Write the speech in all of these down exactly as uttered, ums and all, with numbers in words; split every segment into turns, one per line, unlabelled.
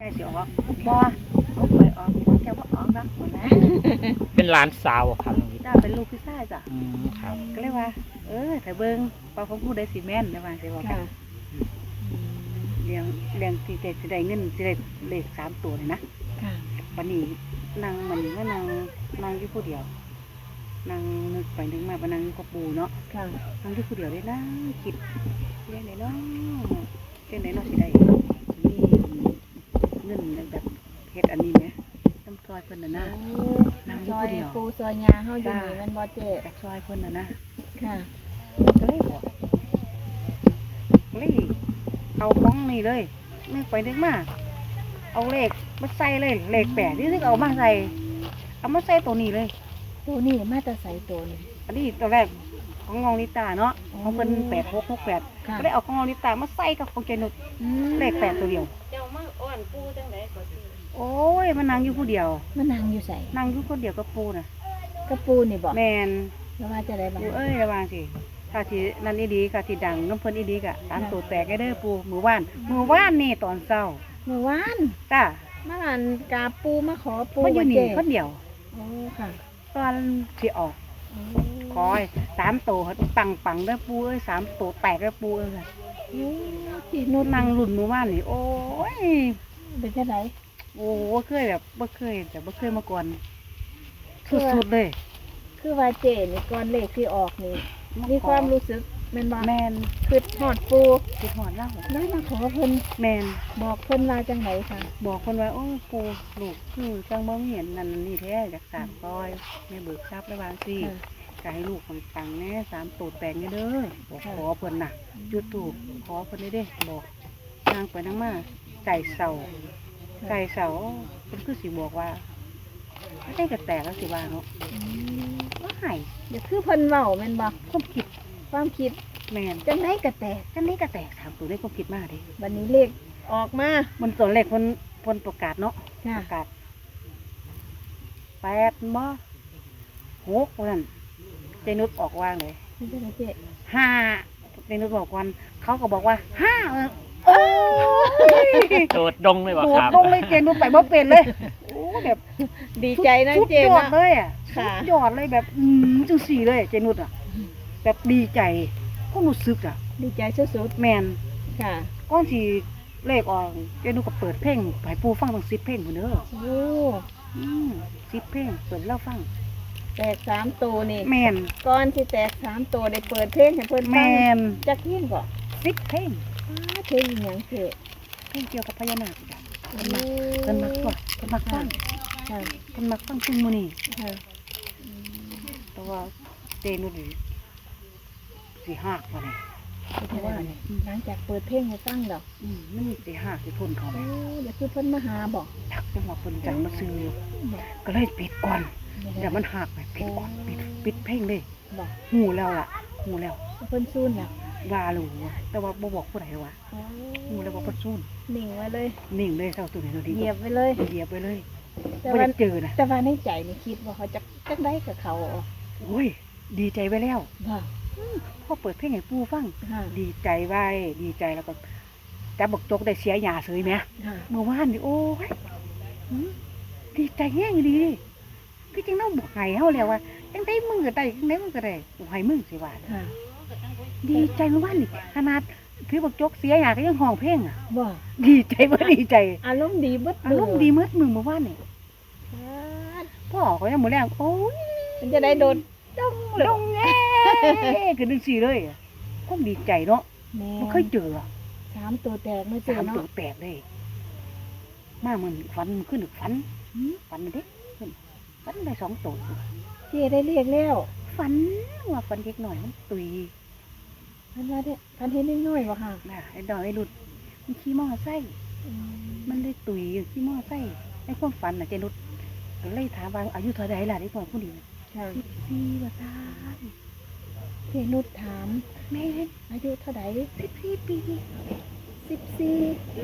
เดี๋ยวว่าบ่เอาไปออกแกว่าออกนะหมดนะ
เป็นร้านสาวครับลุงวิทย์
จ้าเป็นลูกพี่ชายจ้ะ
อืมครับ
ก็เลยว่าเออถ้าเบิ่งปลาของผู้ใดสิแม่นได้ว่าสิว่ากันเลี้ยงเลี้ยงสิได้สิได้เงินสิได้เลขสามตัวเลยนะวันนี้นางมันก็นางนางอยู่ผู้เดียวนางนึกไปนึกมาว่านางก็ปูเนาะนางอยู่ผู้เดียวได้นะคิดเลี้ยงได้เนาะเลี้ยงได้เนาะสิได้มีเงินแบบเฮ็ดอันนี้ไหมน้ำซอยเพิ่นน่ะนะนางอยู่ผู้เดียว
ปูซอยยาเฮาอยู่นี่มันบ่เจ๊
ซอยเพิ่นน่ะนะ
ค่ะ
ก็เลยบอกเลยเอาของนี่เลยนึกไปนึกมาเอาเลขมาใส่เลยเลขแปดนี่นึกเอามาใส่เอามาใส่ตัวนี้เลย
ตัวนี้มาแต่ใส่ตัวนี้
อันนี้ตัวแรกของงองลิตาเนาะของเพิ่นแปดหกหกแปดก็ได้เอาของงองลิตามาใส่กับของเจนุชเลขแปดตัวเดียว
เจ้ามาอ้อนปูจังไดก็สิ
โอ้ยมันนั่งอยู่ผู้เดียว
มันนั่งอยู่ใส่
นั่งอยู่คนเดียวกับปูน่ะ
กับปูนี่บ่
แม่น
แล้วว่าจะได้บ่
ปูเอ้ยระวังสิค่ะที่นั่นอีดีค่ะที่ดังน้ำเพิ่นอีดีกะตามตัวแตกได้เด้อปูมื้อวานมื้อวานนี่ตอนเช้า
เมื่อวาน
จ้า
มาอันกาปูมาขอปู
มันอยู่นี่คนเดียว
โอ้ค่ะ
ตอนที่ออกคอยสามตัวปังปังเด้อปูเอ้ยสามตัวแตกเด้อปูเอ้ย
โอ้ที่นู่น
นั่งรุ่นมื้อวานนี่โอ้ย
เป็นจังได๋
โอ้บ่เคยแบบบ่เคยแต่บ่เคยมาก่อนสุดๆเลย
คือว่าเจ๊นี่ก่อนเลขที่ออกนี่มีความรู้สึกแม่นบ่
แม่น
คิดฮอดปู
คิดฮอดเล่า
แล้วมาขอเพิ่น
แม่น
บอกเพิ่นว่าจังไดค่ะ
บอกเพิ่นว่าโอ้ปูลูกคือจังบ่เห็นนั่นนี่แท้จากสามซอยแม่เบิกทรัพย์แล้วว่าสิก็ให้ลูกของตังแน่สามตูดแตงนี่เด้อบอกขอเพิ่นน่ะจุดถูกขอเพิ่นได้เด้บอกนางไปนางมาไก่เสาไก่เสาเพิ่นคือสิบอกว่าได้กระแตกแล้วสิว่าเนาะว่าไห้
เดี๋ยวคือเพิ่นเว้าแม่นบ่
ความคิด
ความคิด
แม่น
จังได๋ก็แตก
จังได๋ก็แตกถามตัวได้ความคิดมาเด้
วันนี้เลขออกมา
มันตัวเลขเพิ่นเพิ่นประกาศเนาะประกาศแปดบ่หกว่านั่นเจนุชออกว่างเลยห้าเจนุชบอกวันเขาก็บอกว่าห้าโอ้
ยโดดดงเลยว่ะครับ
โดดดงเลยเจนุชไปบ่เป็นเลยโอ้แบบ
ดีใจนะเจ
นุชยอดเลยอ่ะยอดเลยแบบอืมจังสี่เลยเจนุชอ่ะแบบดีใจก็รู้สึกอ่ะ
ดีใจสุด
ๆแมน
ค่ะ
ก้อนที่เลขออกเจนุชก็เปิดเพลงให้ปูฟังตั้งสิบเพลงเหมือนเด้อ
โอ้
อืมสิบเพลงเปิดเล่าฟัง
แตกสามตัวนี่
แมน
ก่อนที่แตกสามตัวได้เปิดเพลงให้เพิ่นฟัง
แมน
จักเพลงบ่
สิบเพลง
เพลงหยังเท่
เพลงเกี่ยวกับพญานาคจ้ะเพิ่นมักเพิ่นมักตัวเพิ่นมักฟัง
ค่ะ
เพิ่นมักฟังเพลงมื้อนี้
ค่ะ
แต่ว่าเจนุชนี่สิหักว่านี่
เพราะว่าหลังจากเปิดเพลงให้ฟังดอก
อืมมันสิหักสิทนเขาแม่
โอ้เดี๋ยวคือเพิ่นมาหาบ่
ทักจังว่าเพิ่นจังมาซื้ออยู่ก็เลยปิดก่อนเดี๋ยวมันหักไปปิดก่อนปิดปิดเพลงเลย
บ่
หูแล้วล่ะหูแล้ว
เพิ่นซูนน่ะ
ว่ารู้แต่ว่าบ่บอกผู้ใดว่าหูแล้วว่าเพิ่นซูน
นิ่งไว้เลย
นิ่งเลยเจ้าตัวนี้ตัวนี้
เหยียบไว้เลย
เหยียบไว้เลย
แต่ว่า
เจอนะ
แต่ว่าในใจนี่คิดว่าเขาจะจักได้กับเขา
โอ้ยดีใจไว้แล้ว
บ่
พอเปิดเพลงให้ปู่ฟังดีใจไว้ดีใจแล้วก็จับบักจกได้เสียหญ้าเสยแหมเมื่อวานนี่โอ้ยดีใจแฮงดีคือจังเนาบ่ให้เฮาแล้วว่าจังได๋มึงก็ได้จังได๋มึงก็ได้กูให้มึงสิว่าดีใจเมื่อวานนี่ขนาดคือบักจกเสียหญ้าก็ยังห้องเพลงอ่ะ
บ่
ดีใจบ่ดีใจ
อารมณ์ดีเบิด
อารมณ์ดีเบิดมึงเมื่อวานนี่พ่อก็ยังมื้อแลงโอ้ย
มันจะได้โดน
ดงดงแง่คือจังซี่เลยความดีใจเนาะบ่เคยเจอ
สามตัวแตกมาเจอเนาะ
สามตัวแตกเลยมาเหมือนฝันขึ้นอีกฝันฝันเด็กฝันได้สองตัว
เจ๊ได้เรียกแล้ว
ฝันว่าฝันเด็กหน่อยมันตุย
ฝันว่าเด็กฝันเห็นเด็กน้อยบ่ค่ะ
น่ะไอ้ดอยไอ้หลุดมันขี่มอไซค์มันได้ตุยขี่มอไซค์ในความฝันน่ะเจนุชก็เลยถามว่าอายุเท่าใดล่ะเด็กน้อยผู้นี้สิบสี่ว่าซ่าน
เจนุชถาม
แม่
อายุเท่าใด
สิบสี่ปี
สิบสี่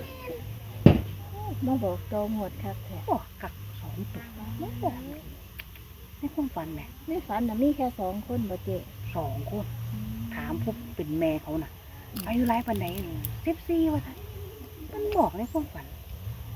มาบอกโตหมดครับแท้
บอกกักสองตัวไม่บอกในความฝันแม่
ในฝันน่ะมีแค่สองคนบ่เจ๊
สองคนถามพวกเป็นแม่เขาน่ะอายุไรปานไหนสิบสี่ว่าท่านมันบอกในความฝัน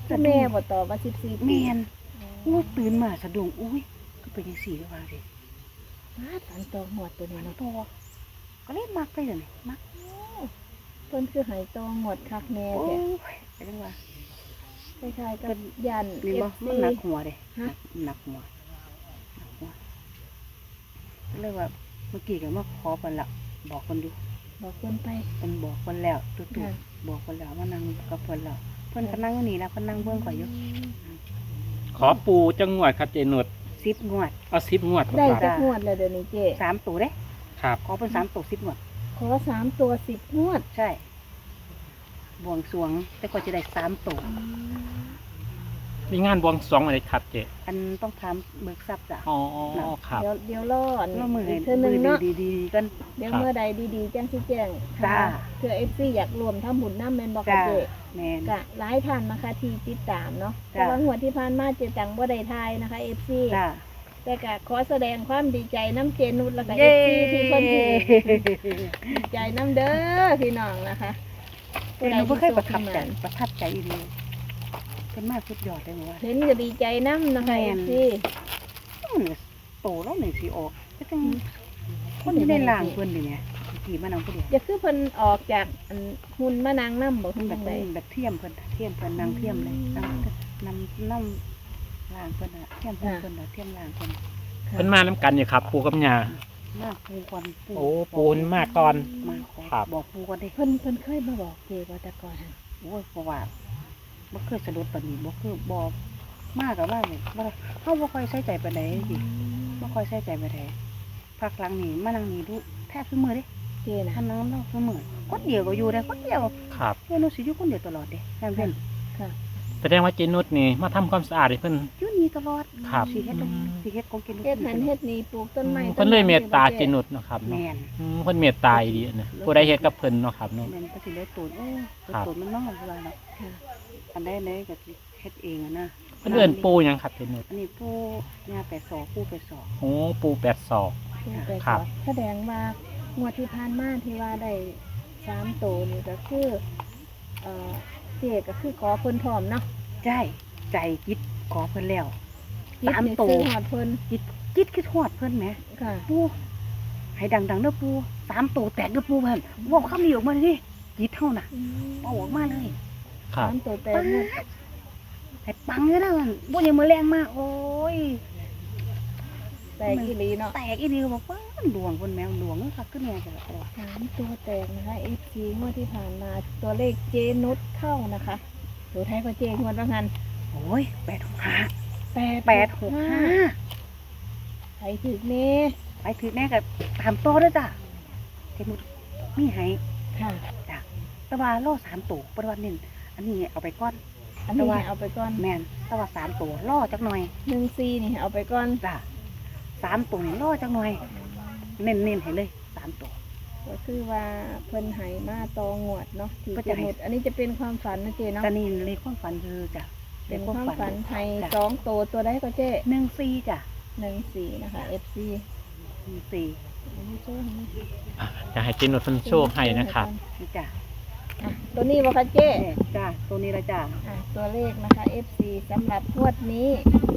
คุณแม่บ่ตอบว่าสิบสี่
แม
ปี
นอู้ตื่นมาสะดุ้งอุ้ยก็เป็นยังสี่หรือว่าสิ
มาฝันตองหวดตัวนี้
มัน
เนาะ
ตัวก็เล่นมักไปเลยมัก
เพิ่นคือใหายตองหวดคักแน่
โอ้
แท้
ยไปจังว่า
คล้ายๆกับยัน
นี่
เอ
บ่
ฟ
มัน
ซี
หนักหัวเด้
ฮะ
หนักหัวหนักหัวก็เลยว่าเมื่อกี้ก็มาขอเพิ่นละบอกเพิ่นดู
บอกเพิ่นไป
เพิ่นบอกเพิ่นแล้วตุ๊
ค่ะ
ๆบอกเพิ่นแล้วมานั่งกับเพิ่นแล้วเพิ่นก็นั่งอยู่นี่แล้วเพิ่นนั่งเบิ่งข่อยอยู่
ขอปูจังงวดครับเจนุด
สิบงวด
เอาสิบงวดบ่
ได้
ค
จั
รับ
กงวดแล้วเดี๋ยวนี้เจ๊
สามตัวเด้
ครับ
ขอเพิ่นสามตัวสิบงวด
ขอสามตัวสิบงวด
ใช่บวงสรวงแต่ก็จะได้สามตัว
มีงานบวงสรวงอะไรครับเจ
อันต้องทำเบิกทรัพย์จ้ะ
อ๋อครับ
เดี๋ยวเดี๋ยวรออัน
เมื่อมือ
อีกเทื่อหนึงเนาะ
ดีดีๆกัน
เดี๋ยว
ครับ
เมื่อใดดีๆแจ้งสิแจ้ง
จ้า
เพื่อเอฟซีอยากรวมทำบุญน้ำแมนบอก
จ้า
เจ๊
แมน
กะหลายท่านนะคะที่ติดตามเนาะ
จ้ะ
แต่ว่าหัวดที่ผ่านมาเจตังบ่ได้ทายนะคะเอฟซี
จ้า
แต่กะขอแสดงความดีใจน้ำเจนุชแล้วก็เอ
เย้
ฟซีที่คนถือดีใจน้ำเด้อพี่น้องนะคะ
เอ็นก็เคยประทับใจประทับใจอีดีเป็นมากสุดยอดเลยหนูว่า
เห็นก็ดีใจน้ำนะคะ
แม่
เอน ฟซี
มันก็โตแล้วหนึ่งสีออกก็จังคนที่ได้ล่างเพิ่นนี่ไงกี่มานังผู้เดียว
จะคือเพิ่นออกจากอันหุ่นมานางน้ำบอก
มัน
ทำ
แบ
แบบ บใด
แบบเทียมเพิ่นเทียมเพิ่นนางเทียมเลยนางนำน้ำล่างเพิ่นอะเทียมเพิ่นเพิ่นอะเทียมล่างเพิ่น
เพิ่นมาน้ำกันอยู่ครับ ปูกับยา
มากปูก่อน
โอ้ปูนมากก่อน
มาขอ
ครับ
บอกปูก่อนดิ
เพิ่นเพิ่นเคยมาบอกเจว่าแต่ก่อนหั่น
โอ้ยเพราะว่าบ่เคยสะดุดปานนี้บ่คือบ่มากกับว่าเนี่ยบ่ได้เฮาบ่ค่อยใส่ใจปานใดสิบ่ค่อยใส่ใจปานใดพักหลังนี่มานั่งนี่ดูแทบทุกมื้อเด้
เจนะ
ทำนั่งเนาะทุกมื้อคนเดียวก็อยู่ได้คนเดียว
ครับ
เฮ้ยหนูสิอยู่คนเดียวตลอดเด้แม่นเพิ่น
ค่ะ
แสดงว่าเจนุดนี่มาทำความสะอาดให้เพิ่น
อยู่นี่ตลอด
ครับ
สิเฮ็ดตรงสิเฮ็ดของกิน
เฮ็ดหันเฮ็ดนี่ปลูกต้นไม้
เพิ่นเลยเมตตา
ต้น
เจนุดเนาะครับเนาะ
แม่น
อืมเพิ่นเมตตาดีนะผู้ใดเฮ็ดกับเพิ่นเนาะครับเนาะ
แม่นก็สิเลยตูนโอ้ย
ครับ
ตูนมันน้องว่าเนาะ
ค่ะ
อันใดไหนก็สิเฮ็ดเองอะนะ
เพิ่นเอิ้นปูหยังครับเจนุด
อันนี้ผู้ย่าแปดศอกผู้แปดศอก
โอ้ปูแปดศอก
ปลูกไป
ครับ
ก่อนแสดงว่างวดที่ผ่านมาที่ว่าได้สามโตวนี่ก็คือเอ่อเจก็คือขอเพิ่นพร้อมเนาะ
ใจใจคิดขอเพิ่นแล้ว
จิต
สาม
นี่
โตว
ซื้อหอดเพิ่น
คิดคิดคิดฮอดเพิ่นแหม
ค่ะ
ปูให้ดังๆเด้อปูสามตัวแตกเด้อปูเพิ่นเว้าคำนี้ออกมาเลยดิคิดเท่าน่ะเอาออกมาเลย
ครับ
สามตัวแปดงวด
ให้ปังเลยนะมันบ่ยังมาแรงมากโอ้ย
แต่อีหลีเนาะ
แตกอีนี่ก็บอกว่าดวงเพิ่นแมวดวงมันคักขึ้นแน่จ้ะโอ้
สามตัวแตกนะคะ เอฟ ซี งวดที่ผ่านมาตัวเลขเจนุชเข้านะคะตัวไทายก็เจงวดว่างัน
โอ้ยแปดหกห้า
แปด
แปดหกห้า
ใส่ถึกเน่
ไปถือแน่ก็ตามโตเด้อจ้ะเทมุดมีให้
ค่ะ
จ้ะแต่ว่าล่อสามตัวปฏิวัตินี่อันนี้เอาไปก้อน
อันนี้ให้เอาไปก่อน
แม่นแต่ว่าสามตัวล่อจักหน่อย
หนึ่งซีนี่ให้เอาไปก่อน
จ้ะสามตัวนี่ล่อจักหน่อย เน้นเน้นๆให้เลยสามตัว
ก็คือว่าเพิ่นไหมาตองวดเนาะที่
ก็
เจ
จะให้
นุชอันนี้จะเป็นความฝันนะเจเนาะ
ตอนนี้เลยความฝันคือจ้ะ
เป็นความฝันไทย
จ้ะ
สองตัวตัวได้ก็เจ
หนึ่งสี่จ้ะ
หนึ่งสี่นะคะ เอฟ ซี
หนึ่งสี่
อันนี้โชว์ให้
อ่ะจะให้เจนุดเพิ่นโชว์ให้นะครับ
นี่จ้ะ
อ่ะตัวนี้บ่คะเจ
เนี่ยจ้ะตัวนี้ละจ้ะ
อ่ะตัวเลขนะคะ เอฟ ซี สำหรับงวดนี้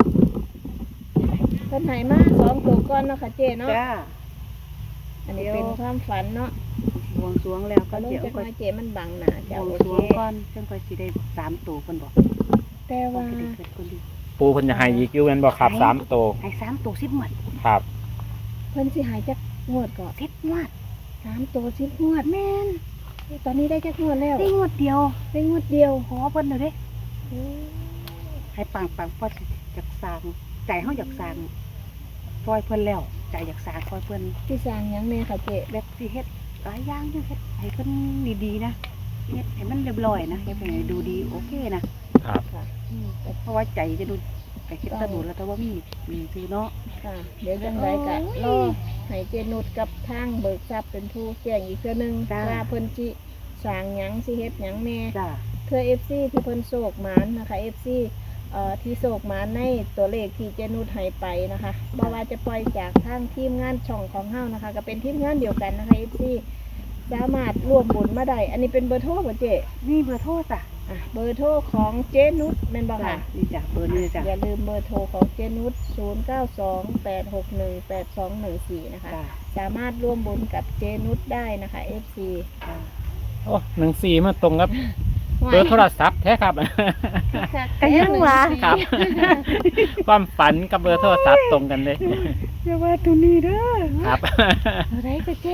เพิ่นไหมาสองตัวก่อนเนาะค่ะเจเนาะ
จ้ะ
อันนี้เป็นความฝันเนาะ
บวงสรวงแล้ว
ก็
ก็
ลง
เดี๋ยว
จาก
ก็
มาเจมันบังหนา
บ
จะ
วง
โอ
สร
เคว
งก่อนซึ่งก็สิได้สามตัวคนบอก
แต่
ว่า
ว่า
จะได้เกิดคนดี
ปูเพิ่นจะให้อีกอยู่แม่นบ่ครับสามโตว
ให้สามตัวสิบหมวด
ครับ
เพิ่นสิหายจากงวดก่อน
สิบหมวด
สามตัวสิบงวด
แม่น
ตอนนี้ได้จากงวดแล้ว
ได้งวดเดียว
ได้งวดเดียว
ขอเพิ่นหน่อยเด้
โอ้
ให้ปังปังๆเพราะอยากสร้างใจเฮาอยากสร้างซอยเพิ่นแล้วใจอยากสร้างซอยเพิ่น
ที่สร้างหยังแม่ค่ะเจ
แบบสิเฮ็ดหลายอย่างอยู่เฮ็ดให้เพิ่นดีๆนะเฮ็ดให้มันเรียบร้อยนะเฮ็ดให้ดูดีโอเคนะครับ
ค่ะ
อืมแต่เพราะว่าใจจะดูแต่คิดตะดูแล้วแต่ว่ามีมีซื้อเนาะ
ค่ะ เดี๋ยวจังไดกะ
โอ้
รอย ให้เจนุชกับทางเบิกทรัพย์เป็นผู้แจ้งอีกเทื่อหนึง
จ้า
ว่าเพิ่นสิสร้างหยังสิเฮ็ดหยังแม่
จ้า
เพื่อ เอฟ ซี ที่เพิ่นโศกหมานนะคะ เอฟ ซี เอ่อที่โศกหมานในตัวเลขที่เจนุชให้ไปนะคะบ่ว่าจะปล่อยจากทางทีมงานช่องของเฮานะคะ ก็เป็นทีมงานเดียวกันนะคะ เอฟ ซี สามารถร่วมบุญมาได้อันนี้เป็นเบอร์โทรบ่เจ๊
นี่เบอร์โทรจ้ะ
อ่ะเบอร์โทรของเจนุชแม่นบ่
จ้ะ
ค่ะ
นี่จ้ะเบอร์นี้จ้ะ
อย่าลืมเบอร์โทรของเจนุชศูนย์ เก้า สอง แปด หก หนึ่ง แปด สอง หนึ่ง สี่นะคะ
จ้ะ
สามารถร่วมบุญกับเจนุชได้นะคะ เอฟ ซี
จ้ะ
โอ้หนึ่งสี่มาตรงกับเบอร์โทรศัพท์แท้ครับ
กันยังวะ
ครับ ความฝันกับเบอร์โทรศัพท์ตรงกันเลย
อย่าว่าตัวนี้เด้อ
ครับ
อะไรก็เจ๊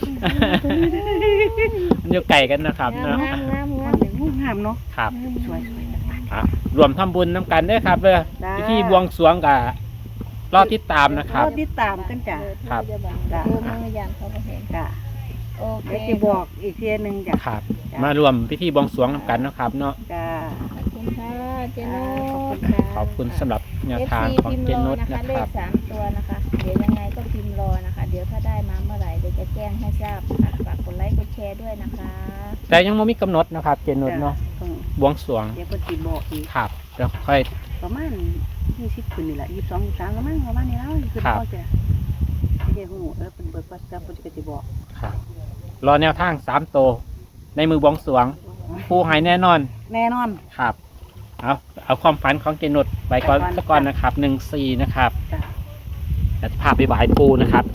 มันอยู่ไกลกันนะครับ
งาม
เนาะ
งามงาม
มั
งาน ม
เป็นงูงามเนาะ
ครับ
สวยๆจัง
ครับรวมทำบุญน้ำกันด้วยครับเลย
จ้า
พิธีบวงสรวงกับรอติดตามนะครับ
รอติดตามกันจ้ะ
ครับ
เบอโทจะ
จ้ะ
บังดูมือยานเขาบ่เห็น
จ้ะ
โอเค
เดี๋ยวจะบอกอีกทีนึงจ้ะ
ครับ
จ้ะ
มารวมพิธีบวงสรวงน้ำกันนะครับ เนาะ
จ้ะ
ขอบคุณค่ะเจนุช
ขอบคุณค่ะ
ขอบคุณสำหรับแนว
เอฟ
ทาง
ซี
ของ
พิมพ์
เจ
รอ
นุช
นะคะ
นะ
เล
ครั
ข
บ
สามตัวนะคะ เดี๋ยวยังไงก็พิมพ์รอนะคะ เดี๋ยวถ้าได้มาเมื่อไหร่เดี๋ยวจะแจ้งให้ทราบค่ะฝากกดไลค์กดแชร์ด้วยนะคะ
แต่ยังไม่มีกำหนดนะครับ เจนุชเนาะ
จ้ะ
บวงสรวง
เดี๋ยวเพิ่นสิบอกอีก
ครับแล้วค่อย
ประมาณยี่สิบคืนนี่แหละยี่สิบสองยี่สิบสามประมาณประมาณนี้แล้วคืน
ครับ
พ่อจ้ะเดี๋ยวหูเออเป็นเบิดปัสสาวะก็จะบอก
ครับรอแนวทางสามตัวในมือบวงสรวงผู้หายแน่นอน
แน่นอน
ครับ เอาเอาความฝันของเจนุชไปก่อน
ไปก่อน
สักก่อนนะครับหนึ่งสี่นะครับ
จ้ะ
จะพาไปบายปูนะครับ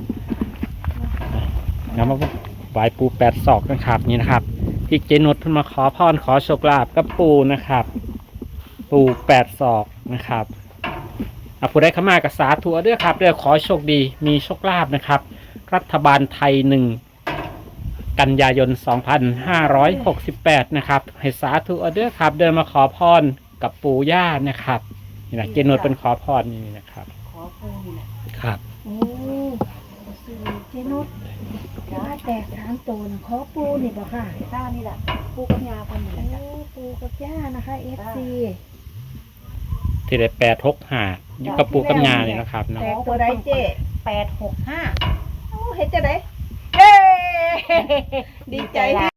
แล้วมาบายปูแปดศอกนะครับนี่นะครับที่เจนุชเพิ่นมาขอพรขอโชคลาภกับปูนะครับ ปูแปดศอกนะครับเอาผู้ได้เข้ามากับสาธุเด้อครับเด้อขอโชคดีมีโชคลาภนะครับ รัฐบาลไทยหนึ่งกันยายน สองพันห้าร้อยหกสิบแปด นะครับให้สาธุเด้อครับ เดินมาขอพรกับปู่ย่านะครับนี่นะเจนุชเป็นขอพรนี่นะครับ
ขอปูนี่แหละ
ครับ
โอ้สื่อเจนุชจ้าแตกสามตัวนะขอปูนี่บ่ค่ะ
ซ่านี่แหละปูกับยาคนนี่แหละจ้ะ
โอ้ปูกับย่านะคะ เอฟ ซี
ที่ได้แปดหกห้าอยู่กับปู่กับย่านี่นะครับเนาะ
แตกตัวใดเจ๊
แปดหกห้า
โอ้เห็นจะได
เย้
ดีใจ